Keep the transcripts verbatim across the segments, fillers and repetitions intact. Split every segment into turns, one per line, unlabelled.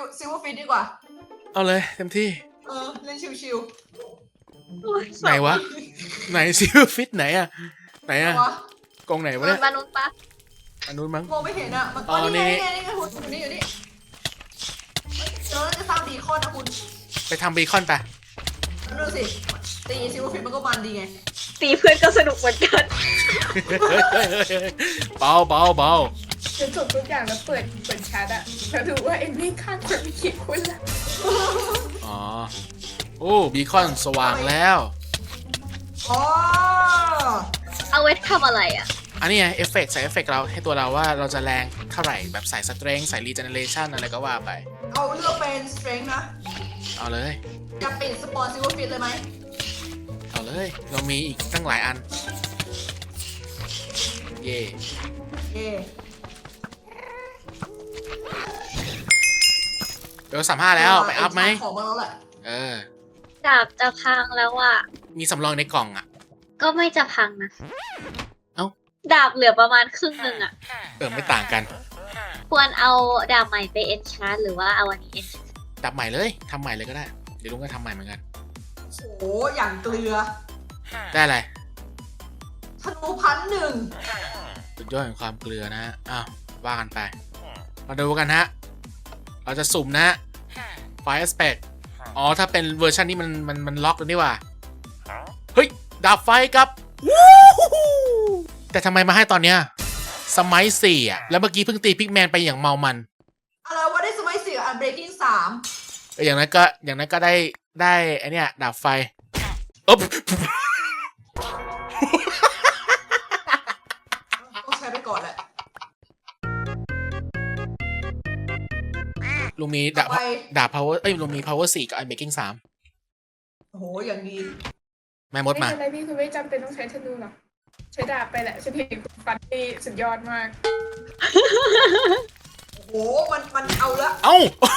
ซิลเวอร์ฟิตดีกว่า
เอาเลยเต็มที่
เออเล่นชิว
ๆไหนวะไหนซิลฟิตไหนอะไหนอะกองไหนวะเนี่ย
มนุษย์ปะ
อันนู้นมั้ง
ๆมองไม่เห็นอ่ะมันอ๋อนี่ไงนี่ไงคุณอยู่นี่อยู่นี่เดี๋ยวเราจะสร้างบีคอนนะคุณ
ไปทำบีคอนไป
ดูสิตีซิลเวอร์ฟิตมันก็มันดีไง
ตีเพื่อนก็สนุกเหมือนกัน
เบาเบาเบา
จะจบทุกอย่างแล้วเปิดเปิดแชทอะแล้วดูว่าเอ็มวี่ข้างคนมีกี่คนละ
อ๋อโอ้บีคอนสว่างแล้ว
อ๋อ
เอาไว้ทำอะไรอ่ะ
อันนี้ไงเอฟเฟกต์ใส่เอฟเฟกต์เราให้ตัวเราว่าเราจะแรงเท่าไหร่แบบใส่สเตรนท์ใส่รีเจเนเรชันอะไรก็ว่าไป
เอาเลือกเป็นสเตรนท์นะ
เอาเลย
จะปิดสปอนซิลเวอร์ฟิตเลยไหม
เอาเลยเรามีอีกตั้งหลายอันเย่
เย่
เดี๋ยวสามห้าแล้วไปอัพไหม
ของมาแล้วแหละ
เออ
ดาบจะพังแล้วอ่ะ
มีสำรองในกล่องอ่ะ
ก็ไม่จะพังนะ
เอ้า
ดาบเหลือประมาณครึ่งหนึ่งอ่ะ
เออไม่ต่างกัน
ควรเอาดาบใหม่ไปเอนชาร์ดหรือว่าเอาอันนี้เอน
ดาบใหม่เลยทำใหม่เลยก็ได้เดี๋ยวลุงก็ทำใหม่เหมือนกัน
โอ้อย่างเกลือ
ได้อะไร
ธนูพันหนึ่ง
สุดยอดแห่งความเกลือนะอ้าวว่ากันไปมาดูกันฮะเราจะสุ่มนะไฟแอสเปกอ๋อถ้าเป็นเวอร์ชันนี้มันมันมันล็อกแล้วนี่ว่าเฮ้ยดาบไฟกับแต่ทำไมมาให้ตอนเนี้ยสมัยสี่อ่ะแล้วเมื่อกี้เพิ่งตีพิกแมนไปอย่างเมามัน
อะไรวะได้สมัยสี่อันเบรกิ้งสาม
อย่างนั้นก็อย่างนั้นก็ได้ได้ไอเนี้ยดาบไฟอ๊บ
ต้องใช้ไปก่อนแหละ
ลุงมีดาบดาบ power เอ้ยลุงมี power สี่กับ iron breaking สาม
โอ้โหอย่างดี
แม่มดมา
ไม่เป็นไรพี่คุณไม่จำเป็นต้องใช้ธนูหรอกใช้ดาบไปแหละฉันเห็นฟันที่สุดยอดมาก
โอ้โหมันมันเอาละ
เอ้า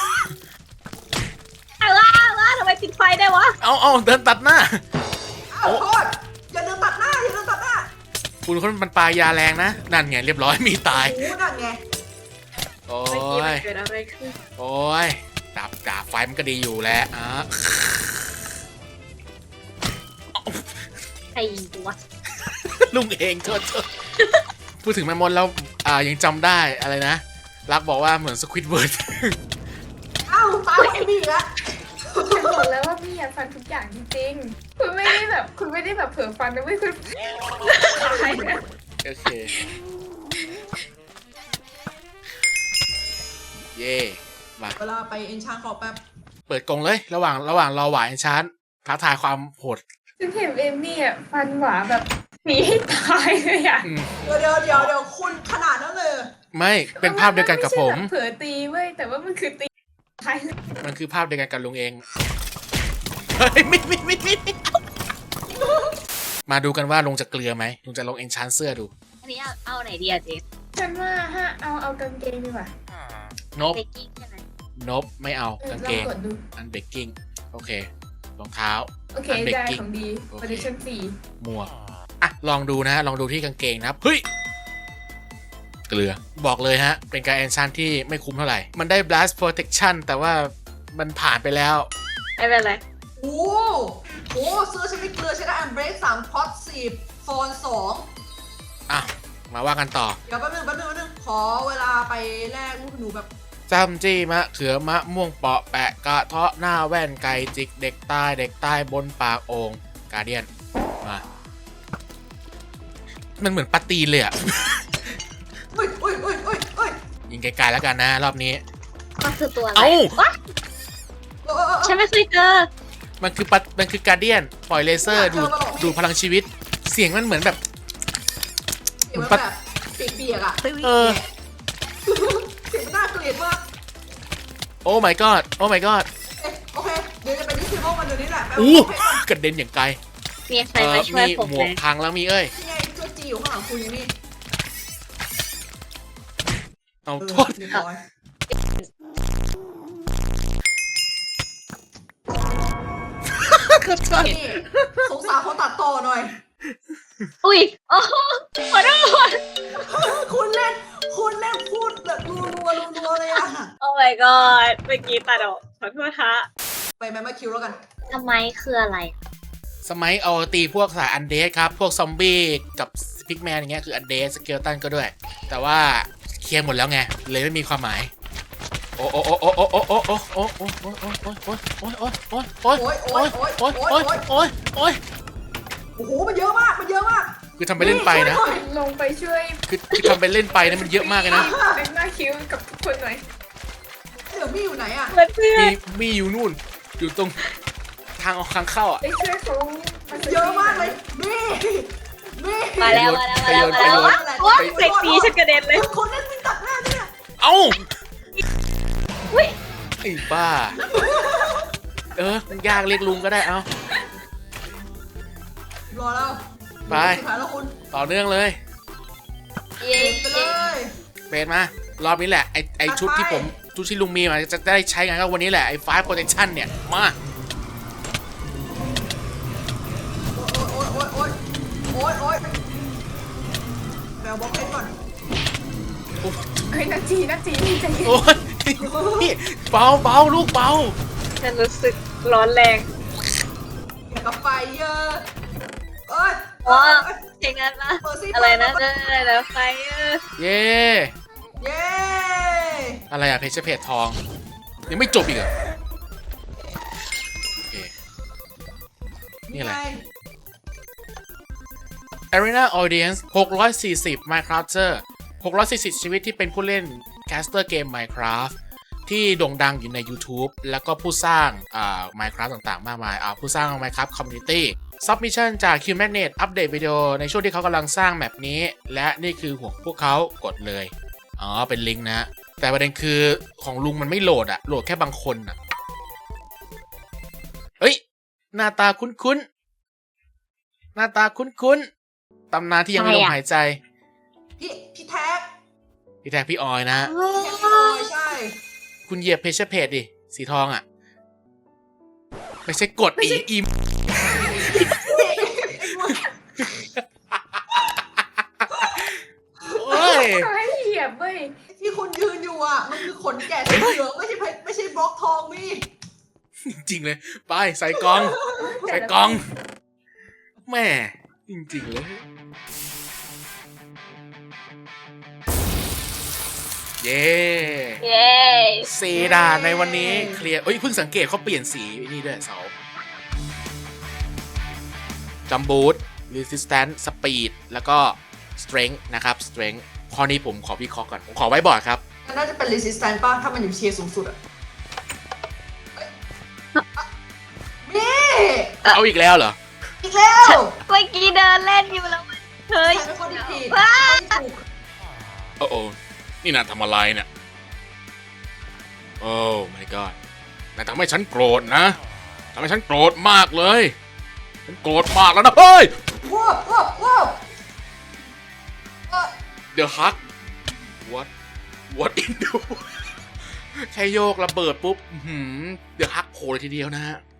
เอาละเอาละทำไมปิดไฟได้วะ
เอาเอาเดินตัดหน้า
เอาโทษอย่าเดินตัดหน้าอย่าเดินตัดหน้า
คุณคนมันปลายาแรงนะนั่นไงเรียบร้อยมีตาย
โอ้นั่นไง
โอ้ย
เกิดอะไรขึ้น
โอ้ยดาบดาบไฟมันก็ดีอยู่แล้วอ่ะ
ใครยิงตัว
ลุงเองโทษโทษพูดถึงแม่มดแล้วอ่ายังจำได้อะไรนะรักบอกว่าเหมือนสควิดเวิร์ด
อ้าวตายไม่มีละ
ฉันบอกแล้วว่าพี่อยากฟันทุกอย่างจริงๆคุณไม่ได้แบบคุณไม่ได้แบบเผลอฟันนะไม่คุณตายนะ
โอเคเย่มา
เวลาไปเอ็นชานขอแป๊บ
เปิดกรงเลยระหว่างระหว่างรอหวายเอ็นชานท้าทายความโหด
ฉันเห็นเอมมี่อ่ะฟันหวาแบบหนีให้ตายเลยอ่ะ
เดี๋ยวเดี๋ยวเดี๋ยวเดี๋ยวคุณขนาดนั้นเลย
ไม่เป็นภาพเดียวกันกับผม
เผลอตีเว้ยแต่ว่ามันคือตีตาย
มันคือภาพเดียวกันกับลุงเองเฮ้ยมิดมิดมิดมิดมาดูกันว่าลุงจะเกลือไหมลุงจะลงเอ็นชานเสื้อดู
อันนี้เอาเอาไหนดีอะเจส
ฉันว่าฮะเอาเอากางเกงดีกว่าน
บนบไม่เอากางเกงอันเบกกิ้งโอเครองเท้า
โอเคได้ของดีโปรดิชั่นสี่
หมวกอ่ะลองดูนะลองดูที่กางเกงนะครับเฮ้ยเกลือบอกเลยฮะเป็นการแอนชันที่ไม่คุ้มเท่าไหร่มันได้ blast protection แต่ว่ามันผ่านไปแล้ว
ไม่เป็นไร
โอ้โหซื้อฉันไม่เกลือฉันได้อันเบรกสามพอตสิบโฟนสอง
อ่ะมาว่ากันต่อ
เดี๋ยวแป๊บนึงแป๊บนึงแป๊บนึงขอเวลาไปแลกลูกหนูแบบ
จำจี้มะเขือมะม่วงเปาะแปะกระเทาะหน้าแว่นไก่จิกเด็กตายเด็กตายบนปากโอ่งกาเดียนมามันเหมือนปาตีนเลยอ่ะ
อุ้ยอุ้ยอุ้ยอุ้ยอุ้ย
ยิงไกลๆแล้วกันนะรอบนี้
มันคือตัวอะไร
เอ้า
ฉันไม่เคยเจอ
มันคือปัดมันคือการเดียนปล่อยเลเซอร์ดูดูพลังชีวิตเสียงมันเหมือนแบบ
เสียงแบบเปียกๆอ่ะ
เออ
เสียงน่าเกลียดมาก
โอ้ my god โอ้ my god
โอเคเดี๋ยวจะไปที่ซิโมกันเดี๋ยวนี้แหละ
อู้กระเด็นอย่างไกล
มีใครมาช่วยผม
หมวกพังแล้วมีเอ้ย
นี่ไงเจ้าจีอยู่ข้างหลังคุณอย่างนี้
เอาโทษ
นี่สงสารเขาตัดต่อหน่อย
อุ้ยโอ้ขอโทษ
คุณเล่นคุณเล่นพูดแบบรัวรัวรัวเลยอะ
โอ้ my my god เมื่อกี้ตัดออกขอโทษฮะ
ไปแมมมาคิวแล้วกัน
ทำไมคืออะไร
สมัยเอาตีพวกสายอันเดสครับ พวกซอมบี้กับพิกแมนอย่างเงี้ยคืออันเดสสเกลตันก็ด้วย แต่ว่าเคลียร์หมดแล้วไง เลยไม่มีความหมาย โอ้โอ้โอ้โอ้โอ้โอ้โอ้โอ้โอ้โอ้โอ้โอ้โอ้โอ้โอ้โอ้โอ้โอ้
โอ้ยโอ้ยโอ้ย
โอ้
โอ้
ย
ย
โอ้ย
โอ้ย
โอ้ยโอ้ย
โอ้โหมันเยอะมากมันเยอะมาก
คือทำไปเล่นไปนะ
ลงไปช่วย
คือคือทำไปเล่นไปนะมันเยอะมากเลยนะ
แม็กมาคิวกับทุกคนหน่อย
เดี๋ยวมี่อยู่ไหนอ่ะ
เพื่อนเพื่อ
มี
น
มีอยู่นู่น อยู่ตรงทางออกทางเข้าอ่ะ
ไปช่วยเขา
เยอะมากเลยมี่มี่
มาแล้วมาแล้วมาแล้วมาแล้วว้าเซ็กซี่ฉันกระเด็นเลย
คนเล่นวิ่งตัดหน้าเนี่ย
เอ้า
อุ้ย
ไอ้บ้า เออมันยากเรียกลุงก็ได้เอ้าร
อแล้ว
ไป
สุดท้ายแล้วคุณ
ต่อเนื่องเลย
เย้
ไปเลย
เบนมารอบนี้แหละไอไอชุดที่ผมชุดที่ลุงมีมาจะได้ใช้งานก็วันนี้แหละไอไฟโปรเทคชั่นเนี่ยมา
โอ๊ยโอ๊ยโอ๊ยโอ๊ยโอ๊ยแมวบล็อกเพชรก่อน
เฮ้ยนาจีนาจีใจเย็น
โอ้ยนี่เบาเบาลูกเบา
ฉันรู้สึกร้อนแรง
อย่ากับไฟเยอะเอ้ย
อ๋อ
เอ้ย
เพลงนั้นปะ
เปิดซิ
อะไรนะ
เปิด
อะไรนะไฟเออ
เย่
เย้
อะไรอะเพชรเพจทองยังไม่จบอีกเหรอโอเค นี่อะไร
ง
Arena Audience หกร้อยสี่สิบ Minecrafter หกร้อยสี่สิบชีวิตที่เป็นผู้เล่นแคสเตอร์เกม Minecraft ที่โด่งดังอยู่ใน YouTube แล้วก็ผู้สร้างอ่า Minecraft ต่างๆ มากมายอ่าผู้สร้าง Minecraft Community Submission จาก Q-Magnet อัปเดตวิดีโอในช่วงที่เขากำลังสร้างแมปนี้ และนี่คือหัวพวกเขากดเลย อ๋อ เป็นลิงก์นะ แต่ประเด็นคือของลุงมันไม่โหลดอะโหลดแค่บางคนอะเฮ้ย หน้าตาคุ้นๆ หน้าตาคุ้นๆ ตำนานที่ยังไม่ลมหายใจ
พี่พี่แท็ก
พี่แท็กพี่ออยนะฮะ
แท็กพี่ออยใช่
คุณเหยียบเพจเพจดิ สีทองอะไม่ใช่กดอีอีมโอ้ย
เขาให้เหยียบเว้ย
ที่คุณยืนอยู่อ่ะมันคือขนแกะสีเหลืองไม่ใช่เพชรไม่ใช่บล็อกทองมี่
จริงๆเลย ไป ใส่กล่อง ใส่กล่อง แม่ จริงๆเลย เย้
เย้
สีดานในวันนี้เคลียร์เอ้ยเพิ่งสังเกตเขาเปลี่ยนสีนี่ด้วยเสาจัมบูท resistance speed แล้วก็ strength นะครับ strength ข้อนี้ผมขอวิเคราะห์ก่อน ผมขอไว้บอร์ดครับ
มันน่าจะเป็น resistance ป่ะถ้ามันอยู่เชียร์สูงสุดอ่ะเอ้ยอ่ะมี่
เอาอีกแล้วเหรอ
อีกแล้ว
เมื่อกี้เดินเล่นอยู่แล้วมันเฮ้ย
ใครเป็นคนที่ผิด
ว้า
ไม่ถูก
โอ้โอ้นี่นายทำอะไรเนี่ย โอ้ my god นายทำให้ฉันโกรธนะทำให้ฉันโกรธมากเลย ฉันโกรธมากแล้วนะเฮ้ย
ว้าวว้าวว้าวเอ่อ
The Hug What What in the แค่โยกระเบิดปุ๊บอื้อหือ The Hug โผล่เลยทีเดียวนะฮะ